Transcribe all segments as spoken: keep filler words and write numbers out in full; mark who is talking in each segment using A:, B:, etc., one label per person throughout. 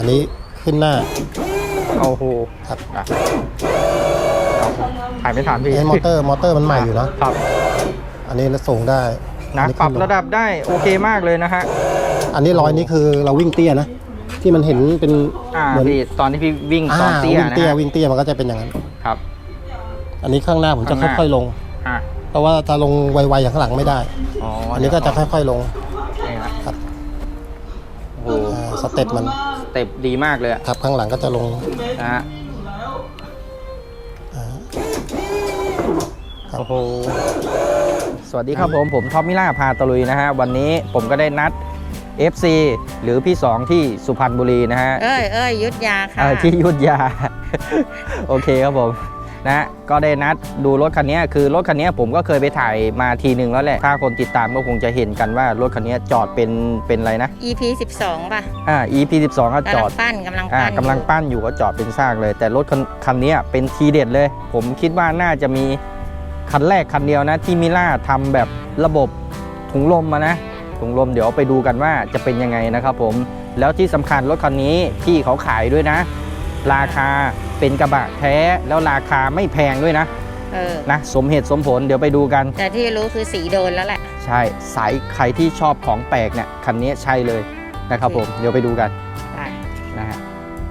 A: อันนี้ขึ้นหน้า
B: โอ้โห
A: ครับ
B: ถ่ายไม่ทันพี่
A: ไอ้มอเตอร์มอเตอร์มันใหม่อยู่นะครับอันนี้ส่งได้
B: นะปรับระดับได้โอเคมากเลยนะฮะ
A: อันนี้ร้อยนี้คือเราวิ่งเตี้ยนะที่มันเห็นเป็น
B: เหมือนตอนที่พี่วิ่งตอนเตี้ยนะ
A: วิ่งเตี้ยวิ่งเตี้ยมันก็จะเป็นอย่างนั้นครับอันนี้ข้างหน้าผมจะค่อยๆลงเพราะว่าถ้าลงไวๆอย่างข้างหลังไม่ได้อันนี้ก็จะค่อยๆลงครับ
B: โอ้โห
A: สเต็ปมัน
B: สเต็ปดีมากเลย
A: ครับข้างหลังก็จะลง
B: นะฮะโอ้โหสวัสดีครับผมผมท็อปมิล่าพาตะลุยนะฮะวันนี้ผมก็ได้นัด เอฟ ซี หรือพี่สองที่สุพรรณบุรีนะฮะ
C: เอ้ยเอ้ยยุทธยาค่ะ
B: ที่ยุทธยา โอเคครับผมนะก็ได้นัดดูรถคันนี้คือรถคันนี้ผมก็เคยไปถ่ายมาทีหนึ่งแล้วแหละถ้าคนติดตามก็คงจะเห็นกันว่ารถคันนี้จอดเป็นเป็นอะไรนะ
C: อี พี สิบสอง ป่ะ
B: อ่า อี พี สิบสอง ก็จอด
C: ปั้นกำลังปั้น
B: กำลังปั้นอยู่ก็จอดเป็นซากเลยแต่รถคันนี้เป็นทีเด็ดเลยผมคิดว่าน่าจะมีคันแรกคันเดียวนะที่มิล่าทำแบบระบบถุงลมมานะถุงลมเดี๋ยวไปดูกันว่าจะเป็นยังไงนะครับผมแล้วที่สำคัญรถคันนี้พี่เขาขายด้วยนะราคาเป็นกระบะแท้แล้วราคาไม่แพงด้วยนะ
C: เออ
B: นะสมเหตุสมผลเดี๋ยวไปดูกัน
C: แต่ที่รู้คือสีโดนแล้วแหละ
B: ใช่สายใครที่ชอบของแปลกเนี่ยคันนี้ใช่เลยนะครับผมเดี๋ยวไปดูกัน
C: ได้
B: นะฮะ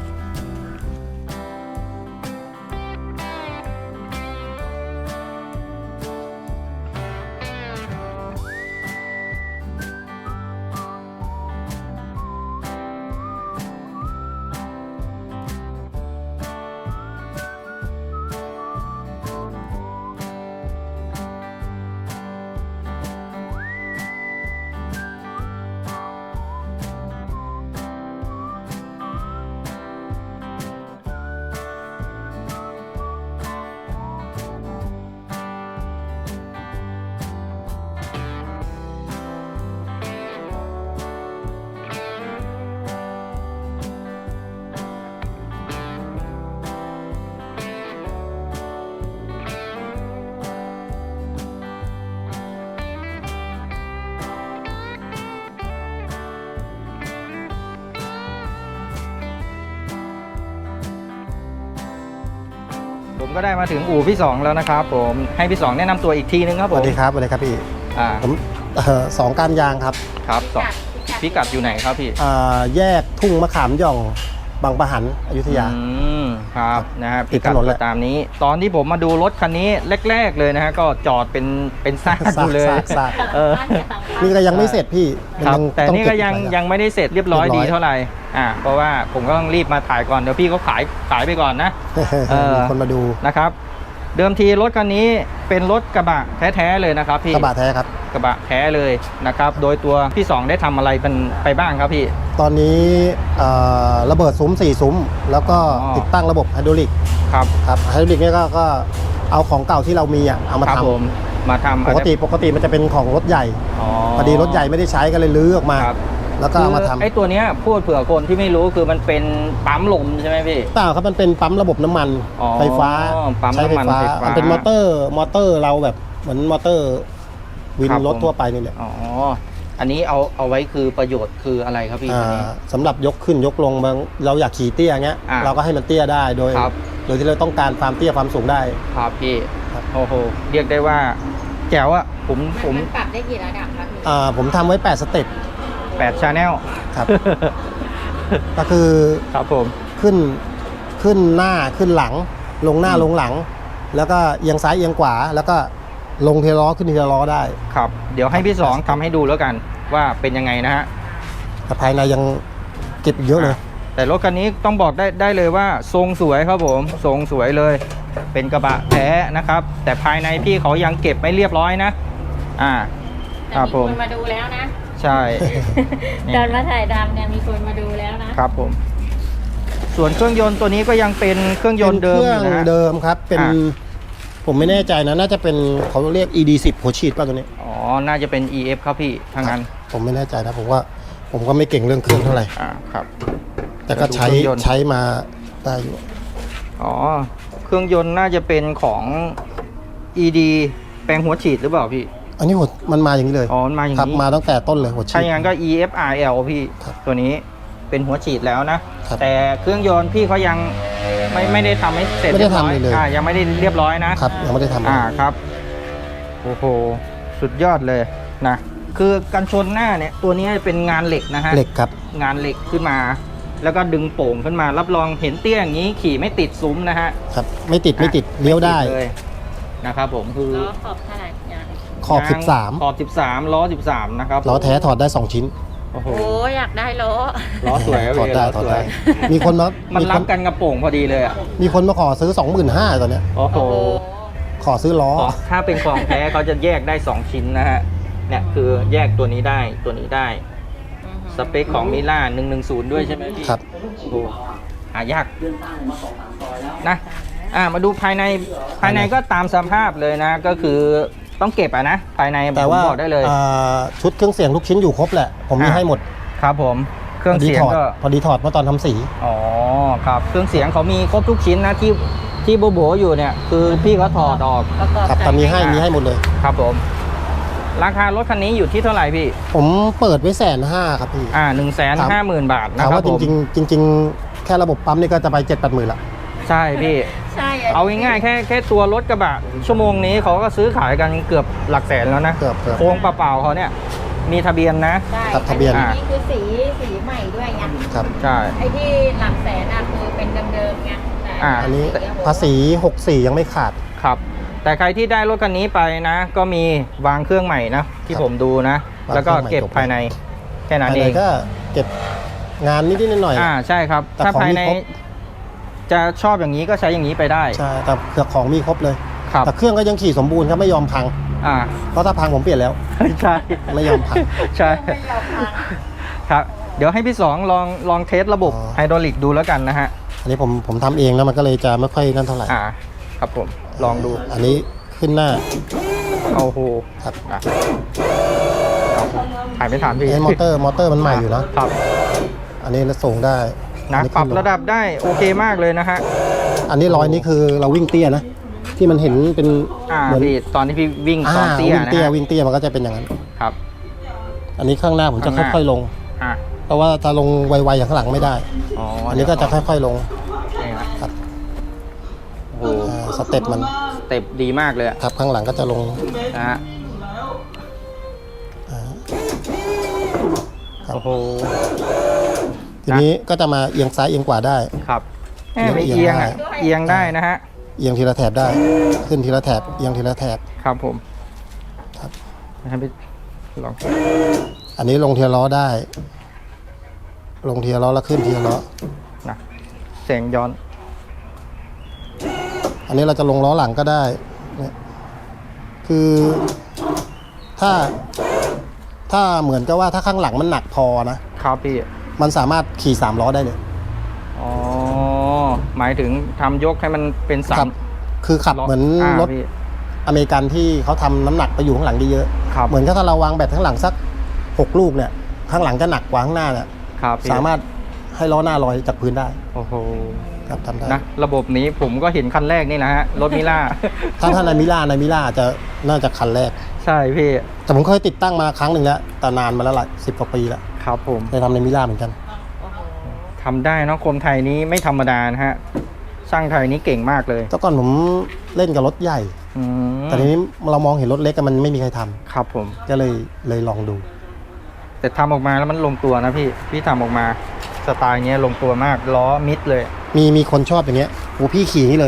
B: ผมก็ได้มาถึงอู่พี่สองแล้วนะครับผมให้พี่สองแนะนำตัวอีกทีนึงครับผม
A: สวัสดีครับสวัสดีครับพี่
B: อ่า
A: ผมสองการยางครับ
B: ครับสองพิกัดอยู่ไหนครับพี่
A: อ่าแยกทุ่งมะขามหย่องบางปะหันอยุธยา
B: อืมครับนะครับพิกัดตามนี้ตอนที่ผมมาดูรถคันนี้แรกๆเลยนะฮะก็จอดเป็นเป็นซากอยู่เลย
A: เออนี่ก็ยังไม่เสร็จพี่
B: ครับแต่นี่ก็ยังยังไม่ได้เสร็จเรียบร้อยดีเท่าไหร่อ่าเพราะว่าผมก็ต้องรีบมาถ่ายก่อนเดี๋ยวพี่เขาขายขายไปก่อนนะ
A: มีคนมาดู
B: นะครับเดิมทีรถคันนี้เป็นรถกระบะแท้ๆเลยนะครับพี่
A: กระบะแท้ครับ
B: กระบะแท้เลยนะครับโดยตัวพี่สองได้ทำอะไรเป็นไปบ้างครับพี่
A: ตอนนี้ระเบิดซุ้มสี่ซุ้มแล้วก็ติดตั้งระบบไฮดรอลิก
B: ครับ
A: ครับไฮดรอลิกนี่ก็ก็เอาของเก่าที่เรามีอ่ะเอามาท
B: ำมาทำ
A: ปกติปกติมันจะเป็นของรถใหญ่พอดีรถใหญ่ไม่ได้ใช้ก็เลยลื้อออกมาแล้วก็เอามาทำ
B: ไอ้ตัวเนี้ยพูดเผื่อคนที่ไม่รู้คือมันเป็นปั๊มลมใช่ไหมพี่
A: เปล่าครับมันเป็นปั๊มระบบน้ำมันไฟฟ้าใช้ไฟฟ้ามันเป็นมอเตอร์มอเตอร์เราแบบเหมือนมอเตอร์วินรถทั่วไปนี่แหละ
B: อ๋ออันนี้เอาเอาไว้คือประโยชน์คืออะไรครับพี่
A: สำหรับยกขึ้นยกลงบางเราอยากขี่เตี้ยเงี้ยเราก็ให้มันเตี้ยได้โดยโดยที่เราต้องการความเตี้ยความสูงได้
B: ครับพี่โอ้โหเรียกได้ว่าแจ๋วอะผมผม
C: ปรับได้กี่ระดับครับพี่
A: อ่าผมทำไว้แปดสเต็ป
B: แปด channel
A: ครับก็คือ
B: ครับผม
A: ขึ้นขึ้นหน้าขึ้นหลังลงหน้าลงหลังแล้วก็เอียงซ้ายเอียงขวาแล้วก็ลงทีละล้อขึ้นทีละล้อได้
B: ครับเดี๋ยวให้พี่สองทำให้ดูแล้วกันว่าเป็นยังไงนะฮะ
A: แต่ภายในยังเก็บเยอะเลย
B: แต่รถคันนี้ต้องบอกได้ได้เลยว่าทรงสวยครับผมทรงสวยเลยเป็นกระบะแท้นะครับแต่ภายในพี่เขายังเก็บไม่เรียบร้อยนะอ่า
C: ครับผมมีคนมาดูแล้วนะ
B: ใช่
C: ตอนมาถ่ายดำเนี่ยมีคนมาดูแล้วนะครับ
B: ผมส่วนเครื่องยนต์ตัวนี้ก็ยังเป็นเครื่องยนต์เดิมอยู่นะ
A: เดิมครับเป็นผมไม่แน่ใจนะน่าจะเป็นเขาเรียก อี ดี สิบ หัวฉีดป่ะตัวนี้
B: อ๋อน่าจะเป็น อี เอฟ ครับพี่ทางนั้น
A: ผมไม่แน่ใจนะผมว่าผมก็ไม่เก่งเรื่องเครื่องเท่าไหร่
B: อ่าครับ
A: แต่ก็ใช้ใช้มาได้อยู่
B: อ๋อเครื่องยนต์น่าจะเป็นของ อี ดี แปลงหัวฉีดหรือเปล่าพี่
A: อันนี้หัวมันมาอย่างนี้เลย
B: อ๋อมาอย่างนี้
A: ครับมาตั้งแต่ต้นเลยหัวฉีด
B: ใช่งั้นก็ อี เอฟ อาร์ แอล พี่ตัวนี้เป็นหัวฉีดแล้วนะแต่เครื่องยนต์พี่เขายังไม่ไม่ได้ทำให้เสร็จ
A: ไม่ได้ทำเลย
B: อ่ายังไม่ได้เรียบร้อยนะครับ
A: ยังไม่ได้ทำ
B: อ่าครับโอ้โหสุดยอดเลยนะคือกันชนหน้าเนี่ยตัวนี้เป็นงานเหล็กนะฮะ
A: เหล็กครับ
B: งานเหล็กขึ้นมา แล้วก็ดึงโป่งขึ้นมารับรองเห็นเตี้ยอย่างนี้ขี่ไม่ติดซุ้มนะฮะ
A: ครับไม่ติดไม่ติดเลี้ยวได้
B: ม่ติเลยนะครับผมคือ
C: ล้อขอบเท่าไหร่ยาง
A: ขอบสิบสาม
B: ขอบสิบสามล้อสิบสามนะครับ
A: ล้อแท้ถอดได้สองชิ้น
B: โอ้โห
C: โอ้อยากได้ล้อ
B: ล้อสวย
A: ถอดได้
B: ล้
A: ถอด
B: สว
A: ได้
B: ย
A: มีคนมา
B: มัน
A: มี
B: รั
A: ค
B: บกันกระโป่งพอดีเลยอ่ะ
A: มีคนมาขอซื้อสองหมื่นห้าตอนเนี้ย
B: โอ้โห
C: โอ้โห
A: ขอซื้อล้อ
B: ขอถ้าเป็นของแท้เขาจะแยกได้สองชิ้นนะฮะเนี่ยคือแยกตัวนี้ได้ตัวนี้ได้
C: อือฮึ
B: สเปคของมิล่าหนึ่งหนึ่งศูนย์ด้วยใช่ไหมพี่
A: ครับ
B: โอ้โหหายากนะอ่ามาดูภายในภายในก็ตามสภาพเลยนะ ก็คือต้องเก็บอ่ะนะภายใน
A: แต่
B: ผม
A: ว่า
B: บอกได้เลย
A: อ่าชุดเครื่องเสียงทุกชิ้นอยู่ครบแหละ ผมมี
B: อ่ะ
A: ให้หมด
B: ครับผมเครื่อง
A: พอดี
B: เสียง
A: ถอด
B: ก็
A: พอดีถอดเมื่อตอนทำสี
B: อ๋อครับเครื่องเสียงเขามีครบทุกชิ้นนะที่ที่โบโบอยู่เนี่ยคือพี่เขาถอดออก
C: ประกอบ
A: ครับแต่มีให้มีให้หมดเลย
B: ครับผมราคารถคันนี้อยู่ที่เท่าไหร่พี่
A: ผมเปิดไว้แสนห้าครับพี่
B: อ่าหนึ่งแสนห้าหมื่นบาทนะ
A: ถาม
B: ครั
A: ว่า
B: บ
A: จ
B: ผม
A: ริงๆจริง ๆ แค่ระบบปั๊มนี่ก็จะไปเจ็ดแปดหมื่นละ
B: ใช่พี่
C: ใช่
B: เอาง่ายๆแค่แค่ตัวรถกระบะชั่วโมงนี้เขาก็ซื้อขายกันเกือบหลักแสนแล้วนะ
A: เกือบเกือบ
B: โครงเปล่าๆเขาเนี่ยมีทะเบียนนะ
C: ใช่
A: ครับทะเบียน
C: อันี้คือสีสีใหม่ด้วยไง
A: ครับ
B: ใช่
C: ไอ้ที่หลักแสนอ่ะคือเป็นเดิมๆไงแต่
B: อ่า
A: อันนี้
C: สีโโห
A: ภาษีหกสี่ยังไม่ขาด
B: ครับ แต่ใครที่ได้รถคันนี้ไปนะ ก็มีวางเครื่องใหม่นะที่
A: ครับ
B: ผมดูนะ
A: วาง
B: แล้วก็
A: เครื่องใหม่
B: เก็บ
A: จบ
B: ภายในแค่นั้น
A: ภาย
B: เอ
A: ใน
B: ง
A: ก็เก็บงานนิดๆหน่อยๆ
B: อ่าใช่ครับ
A: แต่
B: ถ้า
A: ของ
B: ภาย
A: มี
B: ใน
A: ครบ
B: จะชอบอย่างนี้ก็ใช้อย่างนี้ไปได้
A: ใช่แต่เครื่องของมีครบเลย
B: ครับ
A: แต่เครื่องก็ยังขี่สมบูรณ์ครับไม่ยอมพัง
B: อ่า
A: เพราะถ้าพังผมเปลี่ยนแล้ว
B: ใช่
A: ไม่ยอมพัง
B: ใช่ ครับ เดี๋ยวให้พี่สองลองลองเทสระบบ
A: อ๋อ
B: ไฮดรอลิกดูแล้วกันนะฮะ
A: อันนี้ผมผมทำเองแล้วมันก็เลยจะไม่ค่อยนั่นเท่าไหร่
B: อ่า ครับผมลองดู
A: อันนี้ขึ้นหน้า
B: โอ้โห
A: ครับ
B: อ่ะเอาถ่ายไม่ทันพี่
A: ไอ้มอเตอร์มอเตอร์มันใหม่อยู่นะครับ อันนี้เราส่งได้
B: นะ
A: อั
B: ปรับ
A: ขึ้นลง
B: ระดับได้โอเคมากเลยนะฮะ
A: อันนี้ร้อยนี่คือเราวิ่งเตี้ยนะ ที่มันเห็นเป็น
B: อ่า
A: เหมือน
B: พี่ตอนที่พี่วิ่งตอน
A: อ่า
B: เตี้ย
A: วิ่ง
B: นะ
A: เตี้ย
B: ฮะ
A: วิ่งเตี้ยมันก็จะเป็นอย่างนั้น
B: ครับ
A: อันนี้ข้างหน้าผมจะ
B: ข้างหน้า
A: ค่อยๆลง
B: อ่ะ
A: เพราะว่าถ้าลงไวๆอย่างข้างหลังไม่ได้
B: อ๋อ
A: อั
B: อั
A: นนี้ก็จะค่อยๆลง
B: นี่ฮะ
A: ครับ
B: โอ้โห
A: อ่าสเต็ปมัน
B: สเต็ปดีมากเลยอะ
A: ครับข้างหลังก็จะลง
B: นะฮะ
A: อ่าครับ
B: โอ้โห
A: ทีนี้ก็จะมาเอียงซ้ายเอียงขวาได้
B: ครับแหมไม่
A: เอี
B: เอีย
A: ย
B: ง
A: งได้
B: อ่ะเอียงได้นะฮะ
A: เอียงทีละแถบได้ ขึ้นทีละแถบเอียงทีละแถบ
B: ครับผม
A: ครับ
B: ให้พี่ลอง
A: อันนี้ลงทีละล้อได้ ลงทีละล้อแล้วขึ้นทีละล้อ
B: นะแสงย้อน
A: อันนี้เราจะลงล้อหลังก็ได้เนี่ยคือถ้าถ้าเหมือนกับว่าถ้าข้างหลังมันหนักพอนะ
B: ครับพี่
A: มันสามารถขี่สามล้อได้เลย
B: อ๋อ หมายถึงทำยกให้มันเป็นสา
A: ขั
B: ม
A: บคือขับเหมือนรถ
B: พี่
A: อเมริกันที่เขาทำน้ำหนักไปอยู่ข้างหลังเยอะ
B: ครับ
A: ๆเหมือนกับถ้าเราวางแบตข้างหลังสักหกลูกเนี่ยข้างหลังจะหนักกว่าข้างหน้าเนี่ย
B: ครับพี่
A: สามารถให้ล้อหน้าลอยจากพื้นได้
B: โอ้โห
A: ครับทำได้
B: นะ ระบบนี้ผมก็เห็นคันแรกนี่นะฮะ รถมิล่า
A: ถ้าถ้าในมิล่าในมิล่าจะน่าจะคันแรก
B: ใช่พี่
A: แต่ผมเคยติดตั้งมาครั้งหนึ่งแล้วแต่นานมาแล้วหลายสิบกว่าปีแล้ว
B: ครับผม
A: เคยทำในมิล่าเหมือนกัน
C: โอ้โห
B: ทำได้เนาะคนไทยนี้ไม่ธรรมดานะฮะ ช่างไทยนี้เก่งมากเลย
A: แต่ก่อนผมเล่นกับรถใหญ่
B: อืม
A: แต่ทีนี้เรามองเห็นรถเล็กอะมันไม่มีใครทำ
B: ครับผม
A: ก็เลยเลยลองดู
B: แต่ทำออกมาแล้วมันลงตัวนะพี่ พี่ทำออกมาสไตล์เงี้ยลงตัวมาก ล้อมิดเลย
A: มีมีคนชอบอย่างเงี้ยโอ้พี่ขี่นี่เลย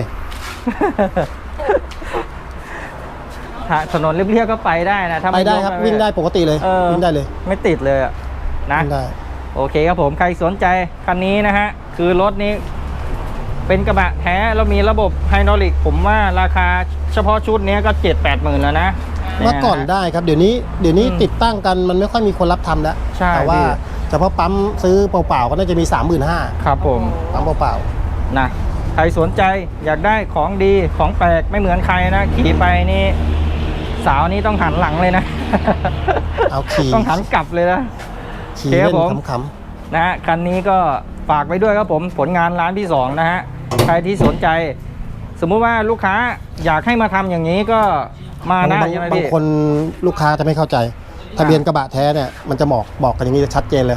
B: ถ้าถนนเรียบๆก็ไปได้นะถ้า
A: ไป
B: ม่
A: ได้
B: ยก
A: ครับ
B: ม่
A: วิ่งได้ปกติเลย
B: เออ
A: วิ่งได้เลย
B: ไม่ติดเลยอะนะ
A: วิ่งได้
B: โอเคครับผม ใครสนใจคันนี้นะฮะ คือรถนี้เป็นกระบะแท้แล้วมีระบบไฮดรอลิก ผมว่าราคาเฉพาะชุดนี้ก็เจ็ดแปดหมื่นแล้วนะ
A: เมื่อก่อนได้ครับเดี๋ยวนี้เดี๋ยวนี้
B: อืม
A: ติดตั้งกันมันไม่ค่อยมีคนรับทำแล้ว
B: ใช่
A: แต่ว่า
B: พี่
A: เฉพาะปั๊มซื้อเปล่าๆก็น่าจะมี สามหมื่นห้าพัน
B: ครับผม
A: ปั๊มเปล่า
B: นะใครสนใจอยากได้ของดีของแปลกไม่เหมือนใครนะ ขี่ไปนี่สาวนี่ต้องหันหลังเลยนะ
A: ๆเอาขี่
B: ต้องหันกลับเลยนะ
A: ขี่
B: โอเคครั
A: เล่
B: บ
A: น
B: ผม
A: ขำ
B: นะฮะคันนี้ก็ฝากไว้ด้วยครับผมผลงานร้านที่สองนะฮะใครที่สนใจ สมมุติว่าลูกค้าอยากให้มาทำอย่างนี้ก็มา
A: ๆ
B: ได้
A: บาง
B: ใช่ไหม
A: บาง
B: พี่
A: คนลูกค้าจะไม่เข้าใจ ทะเบียนกระบะแท้เนี่ยมันจะบอกบอกกันอย่างนี้ชัดเจนเลย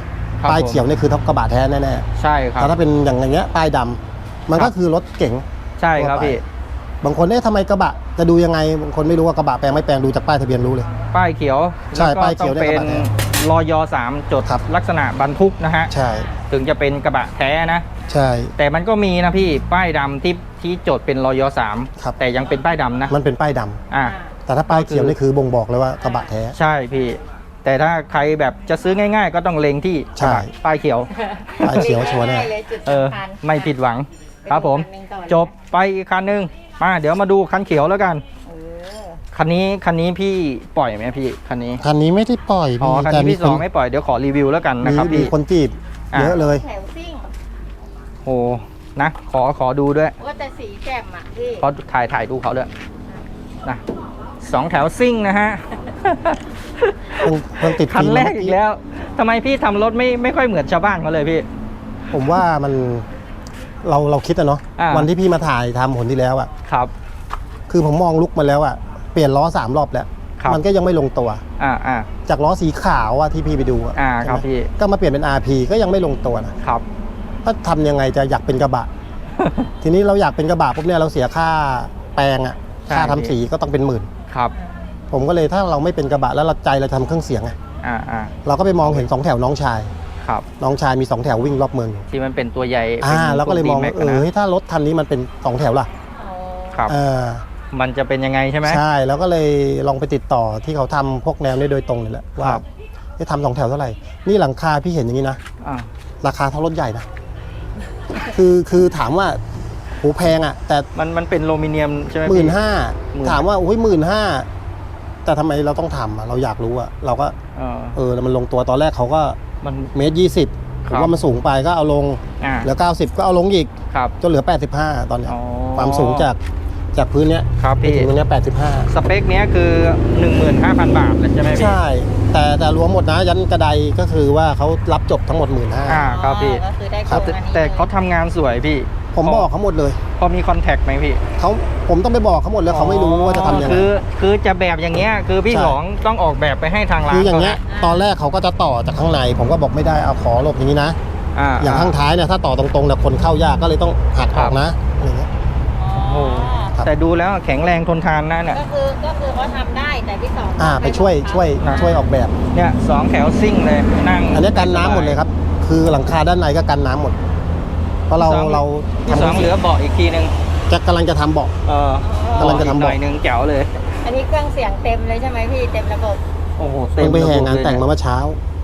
B: ครับ
A: ป้าย
B: ผม
A: เขียวนี่คือท็อปกระบะแท้แน่
B: ใช่ค
A: ๆ
B: รับ
A: แต่ถ้าเป็นอย่างอย่างเงี้ยป้ายดำมัน
B: ครั
A: ก็
B: บ
A: คือรถเก๋ง
B: ใช่ครับพี่
A: บางคนเนี่ยทำไมกระบะจะดูยังไงบางคนไม่รู้ว่ากระบะแปลงไม่แปลงดูจากป้ายทะเบียนรู้เลย
B: ป้ายเขียว
A: ใช่
B: แล้วก็
A: ป้ายเขียว
B: ต้องเป็น
A: เนี่ยกระบะแท้
B: รอยสามจด
A: ครับ
B: ลักษณะบรรทุกนะฮะ
A: ใช่
B: ถึงจะเป็นกระบะแท้นะ
A: ใช่
B: แต่มันก็มีนะพี่ป้ายดำที่ที่จดเป็นรอยสาม
A: ครับ
B: แต่ยังเป็นป้ายดำนะ
A: มันเป็นป้ายดำ
B: อ่า
A: แต่ถ้าป้ายเขียวนี่คือบ่งบอกเลยว่ากระบะแท้
B: ใช่พี่ แต่ถ้าใครแบบจะซื้อง่าย ๆ ก็ต้องเล็งที่
A: ใช่
B: กระบะป้ายเขียว
A: ป้ายเขียวชัวร์แน่
C: ง่ายๆเลยจุด
B: เออ
C: สำคัญ
B: ไม่ผิดหวังครับผม
C: ไปดูคันหนึ่งก่อน
B: จบไปอีกคันหนึงมาเดี๋ยวมาดูคันเขียวแล้วกัน
C: เออ
B: คันนี้คันนี้พี่ปล่อยไหมพี่คันนี้
A: คันนี้ไม่ได้ปล่อย
B: อ๋อคัน
A: แต่
B: นี้
A: มี
B: พี่
A: ค
B: สอน งไม่ปล่อยเดี๋ยวขอรีวิวแล้วกันนะ
A: มี
B: ครับ
A: มี
B: พี่
A: คนจีบ
B: อ่ะ
A: เยอะเลย
C: แถวซิ่ง
B: โอ้นะขอขอดูด้วย
C: ว่าแต่สีแจ่มอ่ะพี่
B: ขอถ่ายถ่ายดูเขาด้วยนะสองแถวซิ่งนะฮะ
A: เพิ่งเพิ่งติด
B: คันแรก
A: ฟิล์ม
B: อีกแล้วทำไมพี่ทำรถไม่ไม่ค่อยเหมือนชาวบ้านเขาเลยพี่
A: ผมว่ามันเราเราคิดอะเนาะ
B: อ่า
A: วันที่พี่มาถ่ายทำผลที่แล้วอะ
B: ครับ
A: คือผมมองลุกมาแล้วอะเปลี่ยนล้อสามรอบแล้ว
B: ครับ
A: มันก็ยังไม่ลงตัว
B: อ่าอ่า
A: จากล้อสีขาวอะที่พี่ไปดูอะ
B: อ่า
A: ใช่ไหม
B: ครับพี่
A: ก็มาเปลี่ยนเป็น อาร์ พี ก็ยังไม่ลงตัวนะครับ ถ้าทำยังไงจะอยากเป็นกระบะ ทีนี้เราอยากเป็นกระบะปุ๊บเนี่ยเราเสียค่าแปลงอะ
B: ใช่
A: ค่าทำสีก็ต้องเป็นหมื่น
B: ครับ
A: ผมก็เลยถ้าเราไม่เป็นกระบะแล้วเราใจเราทำเครื่องเสียงไง
B: อ่าอ่า
A: เราก็ไปมองเห็นสองแถวน้องชาย
B: ครับ
A: น้องชายมีสองแถววิ่งรอบเมืองอยู่
B: ที่มันเป็นตัวใหญ่
A: อ่า
B: ป็น
A: เราก็เลยมอง
B: พว
A: เอ
B: D-Max
A: อ
B: นะ
A: เฮ้ยถ้ารถคันนี้มันเป็นสองแถวล่ะ
C: อ๋อ
B: ครับ
A: เออ
B: มันจะเป็นยังไงใช่ไหม
A: ใช่แล้วก็เลยลองไปติดต่อที่เขาทำพวกแนวนี้โดยตรงเลยแหละว่า
B: ครับ
A: จะทำสองแถวเท่าไหร่นี่หลังคาพี่เห็นอย่างนี้นะ
B: อ่า
A: ราคาเท่ารถใหญ่นะ คือคือถามว่าโหแพงอ่ะ แต่
B: มันมันเป็นโลมิเนียมใช่ไหม
A: หมื่น
B: พี่
A: ห้า
B: หมื่น
A: ถามว่าโอ้ยหมื่นห้าแต่ทำไมเราต้องทำอ่ะเราอยากรู้อ่ะเราก็
B: เออ
A: เออแล้วมันลงตัวตอนแรกเขาก็
B: มัน
A: เมตรยี่สิบผ
B: ครั
A: ม
B: บ
A: ว่ามันสูงไปก็เอาลง
B: อ่า
A: เหลือเก้าสิบก็เอาลงอีก
B: ครับ
A: จนเหลือแปดสิบห้าตอนเนี้ย
B: อ๋อ
A: ความสูงจากจากพื้นเนี้ย
B: ครับ
A: ไป
B: พี่
A: ถึงตรงเนี้ยแปดสิบห้า
B: สเปคเนี้ยคือ หนึ่งหมื่นห้าพัน บาทเลยใช่ไหมพี่
A: ใช่ แต่แต่รวมหมดนะยันกระไดก็คือว่าเขารับจบทั้งหมดหมื่นห้า
B: อ่าครับพี่
C: ก็คือได้
A: ครับ
C: โงอันนี้
B: แต่เขาทำงานสวยพี่
A: ผมบอกเขาหมดเลย
B: พอมีคอนแทคไหมพี่
A: เขาผมต้องไปบอกเขาหมดเลยเขาไม่รู้ว่าจะทำยังไง
B: คือคือจะแบบอย่างเงี้ยคือพี่
A: ใช่
B: สองต้องออกแบบไปให้ทางร้าน
A: คืออย่างเงี้ย
B: ข
A: ตอนแรกเขาก็จะต่อจากข้างใน ผมก็บอกไม่ได้เอาขอหลบอย่างนี้นะ
B: อ่า
A: อย่างข้างท้ายเนี่ยถ้าต่อตรงๆเนี่ยคนเข้ายากก็เลยต้องหักออกนะอะไรเงี้ย
C: อ๋อ
B: โอ้
A: ครับ
B: แต่ดูแล้วแข็งแรงทนทานนะเนี่ย
C: ก็คือก็คือเขาทำได้แต่พี่สอง
A: อ่าไปช่วยช่วย
B: นะ
A: ช่วยออกแบบ
B: เนี่ยสองแถวซิ่งเลยนั่ง
A: อันนี้กันน้ำหมดเลยครับ คือหลังคาด้านในก็กันน้ำหมด เพราะเรา
B: พี่สอง
A: เรา
B: พี่
A: ทำ
B: สองเหลือเบาะอีกทีนึง
A: จะกำลังจะทำเบาะ
B: เออก
A: ำลังจะทำ
B: หน่อยนึงแจ๋วเลย
C: อันนี้เครื่องเสียงเต็มเลยใช่ไหมพี่เต็มระบบ
B: โอ้โห
A: เพิ่งไปแห่งานแต่งมา
B: ระบบเลย
A: เมื่อเช้า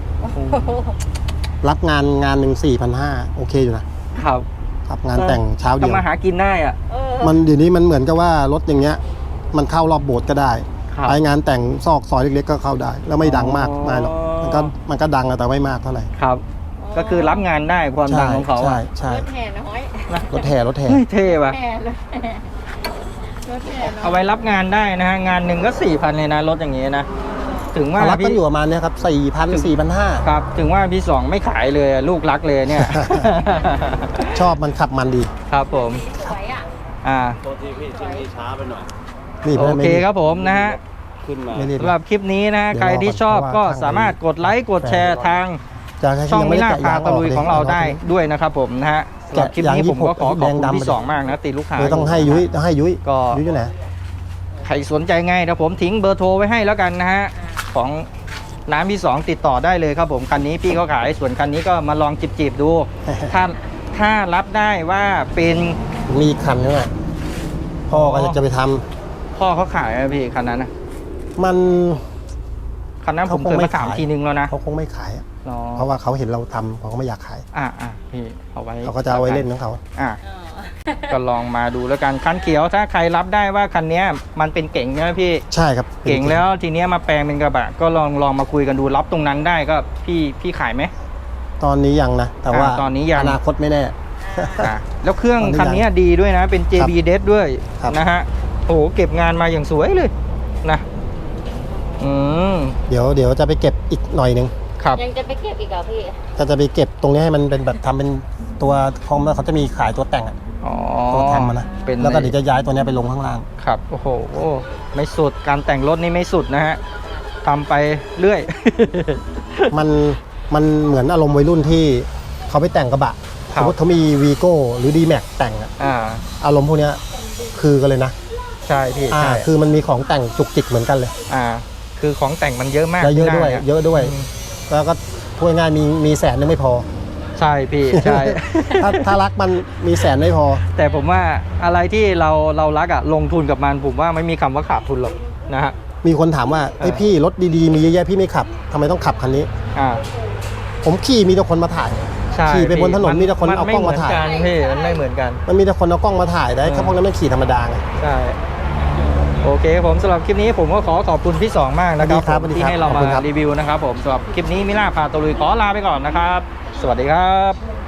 A: รับงานงานหนึ่งสี่พันห้าโอเคอยู่นะ
B: ครับ
A: ครับงานแต่งเช้าเดียว
B: ทำมาหากินได้อ่ะ
C: เออ
A: มันเดี๋ยวนี้มันเหมือนกับว่ารถอย่างเงี้ย มันเข้ารอบโบสถ์ก็ได้
B: ครับ
A: ไปงานแต่งซอกซอยเล็กๆก็เข้าได้ แล้วไม่ดังมาก
B: อ๋อ
A: ไม่หรอกมันก็มันก็ดังอะแต่ไม่มากเท่าไหร่
B: ครับ ก็คือรับงานได้ความดังของเขา
A: ใช่
B: อะ
A: ใช่
C: รถแห่น้อย
A: รถแห่รถแห่
B: เฮ้ยเท่ว่ะ
C: แห่รถแห่รถแห่น้อย
B: เอาไว้รับงานได้นะฮะ งานหนึ่งก็สี่พันเลยนะรถอย่างงี้นะ ถึงว่า
A: เขารับกัน
B: พี่
A: อยู่ประมาณเนี้ยครับสี่พันสี่พันห้า
B: ครับ ถึงว่าพี่สองไม่ขายเลยอะลูกรักเลยเนี่ย
A: ชอบมันขับมันดี
B: ครับผม
C: สวยอ่ะ
B: อ่า
D: โทษทีพี่ชิ้นนี้ช้าไปหน่อย
A: นี่
B: โอ
A: ไม่
B: เค
A: ไม่
B: ครับผมนะฮะ
D: ขึ้นมา
A: ไม่รีบ
B: สำหรับคลิปนี้นะฮะ
A: เดี๋ยว
B: ใครที่ชอบ
A: รอก่
B: ก็
A: อนเพราะว่า
B: สามารถกดไลค์กดแชร์ทาง
A: จะให้
B: ช่อง
A: ยัง
B: มิ
A: ไม่ได้
B: ล่า
A: แกะ
B: พาย
A: าง
B: ตะลุย
A: ก
B: ของเราได้ด้วยนะครับผมนะฮะสำหรับคลิปนี้
A: ยาง
B: ผมก็ขอขอบคุณ
A: แดงดำ
B: พี่สองมากนะตีลูกค้า
A: เลยต้องให้ยุ้ยต้องให้ยุ้ย
B: ก็
A: ยุ้ยอยู่ไหน
B: ใครสนใจไงเดี๋ยวผมทิ้งเบอร์โทรไว้ให้แล้วกันนะฮะของน้ำพี่สองติดต่อได้เลยครับผมคันนี้พี่เขาขายส่วนคันนี้ก็มาลองจีบๆดู ถ้าถ้ารับได้ว่าเป็น
A: มีอีกคันนึงอ่ะพ่อก็จะไปทำ
B: พ่อเขาขายไหมพี่คันนั้นนะ
A: มัน
B: คันนั้นผม
A: เขาค
B: เค
A: ง
B: ย
A: ไม่
B: มาถาม
A: ขาย
B: ทีนึงแล้วนะ
A: เขาคงไม่ขายอะ
B: อ๋อ
A: เพราะว่าเขาเห็นเราทำเขาก็ไม่อยากขาย
B: อ่าอ่าพี่เอาไว้
A: เขาก็จะเอาไว้เล่นของเขา
B: อ่า
C: อ๋อ
B: ก็ลองมาดูแล้วกันคันเขียวถ้าใครรับได้ว่าคันเนี้ยมันเป็นเก่งใช่ไหมพี่
A: ใช่ครับ
B: เก่งแล้วทีเนี้ยมาแปลงเป็นกระบะก็ลองลองมาคุยกันดูรับตรงนั้นได้ก็พี่พี่ขายไหม
A: ตอนนี้ยังนะ แต่ว่า
B: อ่าตอนนี้ยัง
A: อนาคตไม่แน่
B: อ่ะแล้วเครื่อง
A: ตอนนี้
B: คันเนี้ยดีด้วยนะเป็น เจ บี เดส ด้วย
A: ครับ
B: นะฮะโอ้โหเก็บงานมาอย่างสวยเลยนะอืม
A: เดี๋ยวเดี๋ยวจะไปเก็บอีกหน่อยหนึง
B: ครับ
C: ยังจะไปเก็บอีกเหรอพี่
A: ก็จะไปเก็บตรงนี้ให้มันเป็นแบบทำเป็นตัวคอมแล้วเขาจะมีขายตัวแต่งอะ
B: อ๋อ
A: ตัวทำมานะ
B: เป็น
A: แล้วก็เดี๋ยวจะย้ายตัวเนี้ยไปลงข้างล่าง
B: ครับโอ้โหไม่สุดการแต่งรถนี่ไม่สุดนะฮะทำไปเรื่อย
A: มันมันเหมือนอารมณ์วัยรุ่นที่เขาไปแต่งกระบะ
B: ค
A: ส
B: รับ
A: มมติเขามีวีโก้หรือ ดี แม็ก แต่งอะ
B: อ่า
A: อารมณ์พวกเนี้ยคือกันเลยนะ
B: ใช่พี่
A: อ่า
B: ใช่
A: คือมันมีของแต่งจุกจิกเหมือนกันเลย
B: อ่าคือของแต่งมันเยอะมาก
A: และเยอะด้วย
B: ที่หน้านี่
A: เยอะด้วย
B: อืม
A: แล้วก็พูดง่ายๆมีมีแสนนึงไม่พอ
B: ใช่พี่ใช่
A: ถ้าถ้ารักมันมีแสนไม่พอ
B: แต่ผมว่าอะไรที่เราเรารักอะลงทุนกับมันผมว่าไม่มีคำว่าขาดทุนหรอกนะฮะ
A: มีคนถามว่าไอ้ยพี่รถดีๆมีเยอะแยะพี่ไม่ขับทำไมต้องขับคันนี้
B: อ่า
A: ผมขี่มีแต่คนมาถ่าย
B: ใช่
A: ขี่ไปบนถนนมีแต่คนเอากล้อง
B: ไม่
A: มาถ่าย
B: เหมือนกันพี่มันไม่เหมือนกัน
A: มันมีแต่คนเอากล้องมาถ่ายได้
B: เออ
A: แค่พวกนั้นไม่ขี่ธรรมดาไง
B: ใช่โอเคผมสำหรับคลิปนี้ผมก็ขอขอบคุณพี่สองมากนะครับ
A: สวัสดีครับ
B: ผม
A: สวัสดี
B: ที่
A: ครับ
B: ให้เรา
A: ขอบ
B: มา
A: คุณครับ
B: รีวิวนะครับผมสำหรับคลิปนี้มิล่าพาตะลุยขอลาไปก่อนนะครับ สวัสดีครับ